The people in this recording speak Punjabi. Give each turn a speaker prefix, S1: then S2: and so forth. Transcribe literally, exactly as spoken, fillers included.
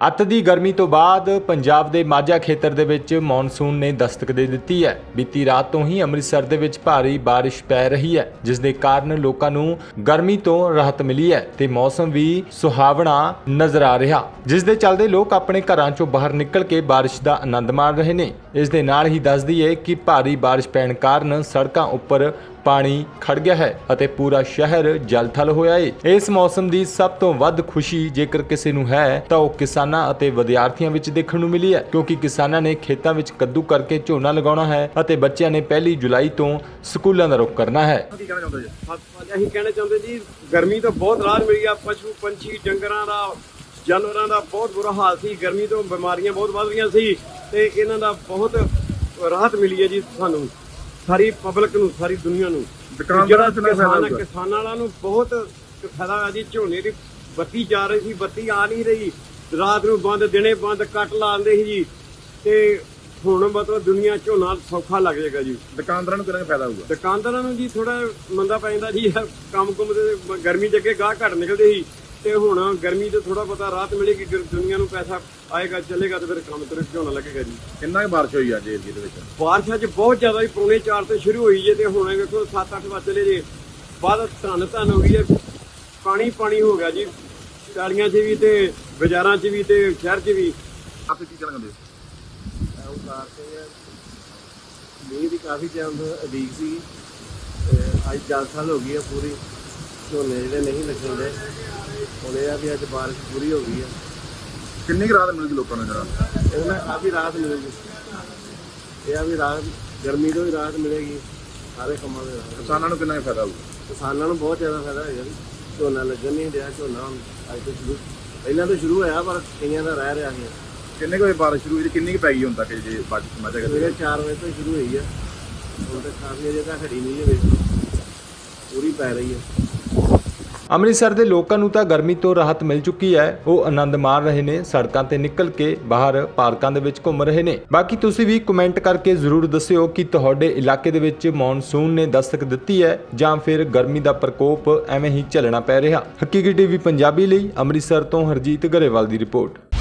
S1: ਅੱਤ ਦੀ ਗਰਮੀ ਤੋਂ ਬਾਅਦ ਪੰਜਾਬ ਦੇ ਮਾਝਾ ਖੇਤਰ ਦੇ ਵਿੱਚ ਮੌਨਸੂਨ ਨੇ ਦਸਤਕ ਦੇ ਦਿੱਤੀ ਹੈ। ਬੀਤੀ ਰਾਤ ਤੋਂ ਹੀ ਅੰਮ੍ਰਿਤਸਰ ਦੇ ਵਿੱਚ ਭਾਰੀ ਬਾਰਿਸ਼ ਪੈ ਰਹੀ ਹੈ, ਜਿਸ ਦੇ ਕਾਰਨ ਲੋਕਾਂ ਨੂੰ ਗਰਮੀ ਤੋਂ ਰਾਹਤ ਮਿਲੀ ਹੈ ਤੇ ਮੌਸਮ ਵੀ ਸੁਹਾਵਣਾ ਨਜ਼ਰ ਆ ਰਿਹਾ, ਜਿਸ ਦੇ ਚੱਲਦੇ ਲੋਕ ਆਪਣੇ ਘਰਾਂ ਚੋਂ ਬਾਹਰ ਨਿਕਲ ਕੇ ਬਾਰਿਸ਼ ਦਾ ਆਨੰਦ ਮਾਣ ਰਹੇ ਨੇ। ਇਸ ਦੇ ਨਾਲ ਹੀ ਦੱਸ ਦਈਏ ਕਿ ਭਾਰੀ ਬਾਰਿਸ਼ ਪੈਣ ਕਾਰਨ ਸੜਕਾਂ ਉੱਪਰ ਪਾਣੀ ਖੜ ਗਿਆ ਹੈ ਅਤੇ ਪੂਰਾ ਸ਼ਹਿਰ ਜਲ-ਥਲ ਹੋਇਆ ਹੈ। ਇਸ ਮੌਸਮ ਦੀ ਸਭ ਤੋਂ ਵੱਧ ਖੁਸ਼ੀ ਜੇਕਰ ਕਿਸੇ ਨੂੰ ਹੈ ਤਾਂ ਉਹ ਕਿਸਾਨਾਂ ਅਤੇ ਵਿਦਿਆਰਥੀਆਂ ਵਿੱਚ ਦੇਖਣ ਨੂੰ ਮਿਲੀ ਹੈ, ਕਿਉਂਕਿ ਕਿਸਾਨਾਂ ਨੇ ਖੇਤਾਂ ਵਿੱਚ ਕੱਦੂ ਕਰਕੇ ਝੋਨਾ ਲਗਾਉਣਾ ਹੈ ਅਤੇ ਬੱਚਿਆਂ ਨੇ ਪਹਿਲੀ ਜੁਲਾਈ ਤੋਂ ਸਕੂਲਾਂ ਦਾ ਰੁਖ ਕਰਨਾ ਹੈ।
S2: ਕੀ ਕਹਿਣਾ ਚਾਹੁੰਦੇ ਜੀ? ਅਸੀਂ ਕਹਿਣਾ ਚਾਹੁੰਦੇ ਜੀ, ਗਰਮੀ ਤੋਂ ਬਹੁਤ ਰਾਹਤ ਮਿਲੀ ਆ। ਪਸ਼ੂ ਪੰਛੀ ਡੰਗਰਾਂ ਦਾ, ਜਾਨਵਰਾਂ ਦਾ ਬਹੁਤ ਬੁਰਾ ਹਾਲ ਸੀ। ਗਰਮੀ ਤੋਂ ਬਿਮਾਰੀਆਂ ਬਹੁਤ ਵੱਧ ਰਹੀਆਂ ਸੀ ਤੇ ਇਹਨਾਂ ਦਾ ਬਹੁਤ ਰਾਹਤ ਮਿਲੀ ਹੈ ਜੀ ਸਾਨੂੰ, ਸਾਰੀ ਪਬਲਿਕ ਨੂੰ, ਸਾਰੀ ਦੁਨੀਆ ਨੂੰ। ਜਿਹੜਾ ਕਿਸਾਨ ਕਿਸਾਨਾਂ ਵਾਲਾ ਨੂੰ ਬਹੁਤ ਫਾਇਦਾ ਹੋਇਆ ਜੀ। ਝੋਨੇ ਦੀ ਬੱਤੀ ਜਾ ਰਹੀ ਸੀ, ਬੱਤੀ ਆ ਨਹੀਂ ਰਹੀ, ਰਾਤ ਨੂੰ ਬੰਦ, ਦਿਨੇ ਬੰਦ, ਕੱਟ ਲਾਉਂਦੇ ਸੀ ਜੀ। ਤੇ ਹੁਣ ਮਤਲਬ ਦੁਨੀਆ ਝੋਨਾ ਸੌਖਾ ਲੱਗ ਜਾਏਗਾ ਜੀ।
S3: ਦੁਕਾਨਦਾਰਾਂ ਨੂੰ ਕਿੰਨਾ ਫਾਇਦਾ ਹੋਊਗਾ?
S2: ਦੁਕਾਨਦਾਰਾਂ ਨੂੰ ਜੀ ਥੋੜਾ ਮੰਦਾ ਪੈ ਜਾਂਦਾ ਜੀ, ਕੰਮ ਕੁੰਮ ਦੇ। ਗਰਮੀ ਚ ਅੱਗੇ ਗਾਹ ਘੱਟ ਨਿਕਲਦੇ ਸੀ ਤੇ ਹੁਣ ਗਰਮੀ ਤੋਂ ਥੋੜਾ ਪਤਾ ਰਾਹਤ ਮਿਲੇਗੀ, ਦੁਨੀਆ ਨੂੰ ਪੈਸਾ ਆਏਗਾ, ਚੱਲੇਗਾ ਤੇ ਫਿਰ ਕੰਮ ਤੇ ਝੋਨਾ ਲੱਗੇਗਾ ਜੀ।
S3: ਕਿੰਨਾ ਕੁ ਬਾਰਿਸ਼ ਹੋਈ ਅੱਜ ਏਰੀਏ ਦੇ ਵਿੱਚ?
S2: ਬਾਰਿਸ਼ ਅੱਜ ਬਹੁਤ ਜ਼ਿਆਦਾ ਹੀ, ਪੌਣੇ ਚਾਰ ਤੋਂ ਸ਼ੁਰੂ ਹੋਈ ਜੇ ਤੇ ਹੁਣ ਵੇਖੋ ਸੱਤ ਅੱਠ ਵਜੇ ਚਲੇ ਜੇ ਬਾਅਦ ਧੰਨ ਧੰਨ ਹੋ ਗਈ ਹੈ। ਪਾਣੀ ਪਾਣੀ ਹੋ ਗਿਆ ਜੀ, ਟਾਲੀਆਂ 'ਚ ਵੀ ਤੇ ਬਾਜ਼ਾਰਾਂ 'ਚ ਵੀ ਤੇ ਸ਼ਹਿਰ 'ਚ ਵੀ।
S3: ਆਪੇ ਕੀ ਕਹਿਣਾ ਚਾਹੁੰਦੇ ਹੋ?
S4: ਮੀਂਹ ਦੀ ਕਾਫੀ ਟਾਈਮ ਤੋਂ ਉਡੀਕ ਸੀ, ਅੱਜ ਦਸ ਸਾਲ ਹੋ ਗਈ ਹੈ ਪੂਰੀ। ਝੋਨੇ ਜਿਹੜੇ ਨਹੀਂ ਲੱਗਣ ਦੇ, ਹੁਣ ਇਹ ਆ ਵੀ ਅੱਜ ਬਾਰਿਸ਼ ਪੂਰੀ ਹੋ ਗਈ ਹੈ।
S3: ਕਿੰਨੀ ਕੁ ਰਾਹਤ ਮਿਲੂਗੀ ਲੋਕਾਂ ਨੂੰ ਜਰਾ?
S4: ਇਹਨਾਂ ਕਾਫੀ ਰਾਹਤ ਮਿਲੇਗੀ। ਇਹ ਆ ਵੀ ਰਾਹਤ, ਗਰਮੀ ਤੋਂ ਵੀ ਰਾਹਤ ਮਿਲੇਗੀ, ਸਾਰੇ ਕੰਮਾਂ ਦੇ ਰਾਹਤ।
S3: ਕਿਸਾਨਾਂ ਨੂੰ ਕਿੰਨਾ ਕੁ ਫਾਇਦਾ ਹੋਊਗਾ?
S4: ਕਿਸਾਨਾਂ ਨੂੰ ਬਹੁਤ ਜ਼ਿਆਦਾ ਫਾਇਦਾ ਹੋਏਗਾ ਜੀ। ਝੋਨਾ ਲੱਗਣ ਨਹੀਂ ਰਿਹਾ, ਝੋਨਾ ਹੁਣ ਅੱਜ ਤੋਂ ਸ਼ੁਰੂ, ਪਹਿਲਾਂ ਤੋਂ ਸ਼ੁਰੂ ਹੋਇਆ ਪਰ ਕਈਆਂ ਦਾ ਰਹਿ ਰਿਹਾ ਸੀ।
S3: ਕਿੰਨੇ ਕੁ ਵਜੇ ਬਾਰਿਸ਼ ਸ਼ੁਰੂ ਹੋਈ? ਕਿੰਨੀ ਕੁ ਪੈ ਗਈ ਹੁਣ ਤੱਕ ਜੇ ਬਾਰਿਸ਼ ਮਾਝਾ ਕਰਦੇ?
S4: ਸਵੇਰੇ ਚਾਰ ਵਜੇ ਤੋਂ ਸ਼ੁਰੂ ਹੋਈ ਹੈ, ਹੁਣ ਤੱਕ ਕਾਫੀ ਅਜੇ ਤੱਕ ਹਟੀ ਨਹੀਂ ਹੈ, ਵੇਖੋ ਪੂਰੀ ਪੈ ਰਹੀ ਹੈ।
S1: ਅੰਮ੍ਰਿਤਸਰ ਦੇ ਲੋਕਾਂ ਨੂੰ ਤਾਂ ਗਰਮੀ ਤੋਂ ਰਾਹਤ ਮਿਲ ਚੁੱਕੀ ਹੈ। ਉਹ ਆਨੰਦ ਮਾਣ ਰਹੇ ਨੇ, ਸੜਕਾਂ ਤੇ ਨਿਕਲ ਕੇ ਬਾਹਰ ਪਾਰਕਾਂ ਦੇ ਵਿੱਚ ਘੁੰਮ ਰਹੇ ਨੇ। ਬਾਕੀ ਤੁਸੀਂ ਵੀ ਕਮੈਂਟ ਕਰਕੇ ਜ਼ਰੂਰ ਦੱਸਿਓ ਕਿ ਤੁਹਾਡੇ ਇਲਾਕੇ ਦੇ ਵਿੱਚ ਮੌਨਸੂਨ ਨੇ ਦਸਤਕ ਦਿੱਤੀ ਹੈ ਜਾਂ ਫਿਰ ਗਰਮੀ ਦਾ ਪ੍ਰਕੋਪ ਐਵੇਂ ਹੀ ਝੱਲਣਾ ਪੈ ਰਿਹਾ। ਹਕੀਕੀ ਟੀਵੀ ਪੰਜਾਬੀ ਲਈ ਅੰਮ੍ਰਿਤਸਰ ਤੋਂ ਹਰਜੀਤ ਗਰੇਵਾਲ ਦੀ ਰਿਪੋਰਟ।